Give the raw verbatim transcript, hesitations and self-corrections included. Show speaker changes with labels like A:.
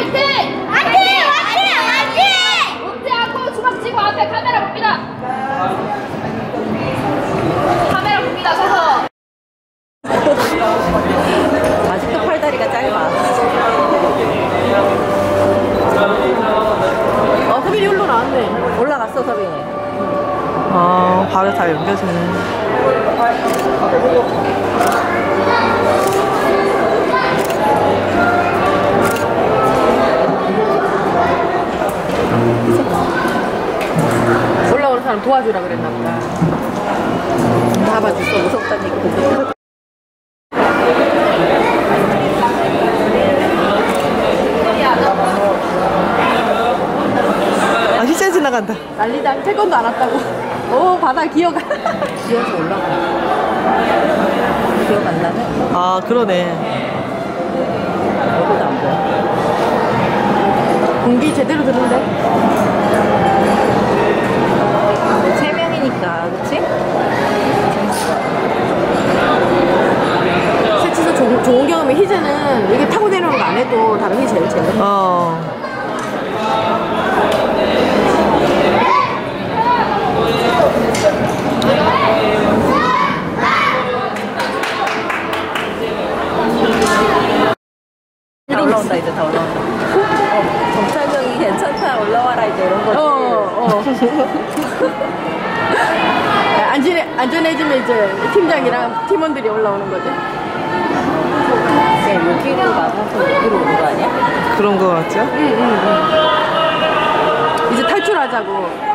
A: 화이팅! 화이팅! 화이팅! 화이팅! 웃지 않고 주먹 쥐고 앞에 카메라 봅니다. 카메라 봅니다. 서서.
B: 아직도 팔다리가 짧아.
C: 어, 서빈이 홀로 나왔네.
B: 올라갔어, 서빈이.
C: 아, 발에 다 연결되네. 올라오는 사람 도와주라 그랬나 보다.
B: 잡아줬어, 무섭다니까.
C: 아, 희재 지나간다. 난리다. 태권도 안 왔다고. 오, 바다 기어가.
B: 기어서 올라가. 기억 안 나네?
C: 아, 그러네.
B: 여기도 안 보여.
C: 공기 제대로 드는데?
B: 세 명이니까, 그치?
C: 세치서 좋은, 좋은 경험이 희재는 이게 타고 내려오는 거 안 해도 다른 게 제일 재밌어. 어.
B: 다 올라온다, 이제 다 올라온다. 어, 정찰병이 괜찮다, 올라와라, 이제 이런 거지.
C: 어, 어. 안전해, 안전해지면 이제 팀장이랑 팀원들이 올라오는 거지.
B: 그냥 여기로 나가서 여기로 오는 거 아니야?
C: 그런 거 같죠? 응, 응, 응. 이제 탈출하자고.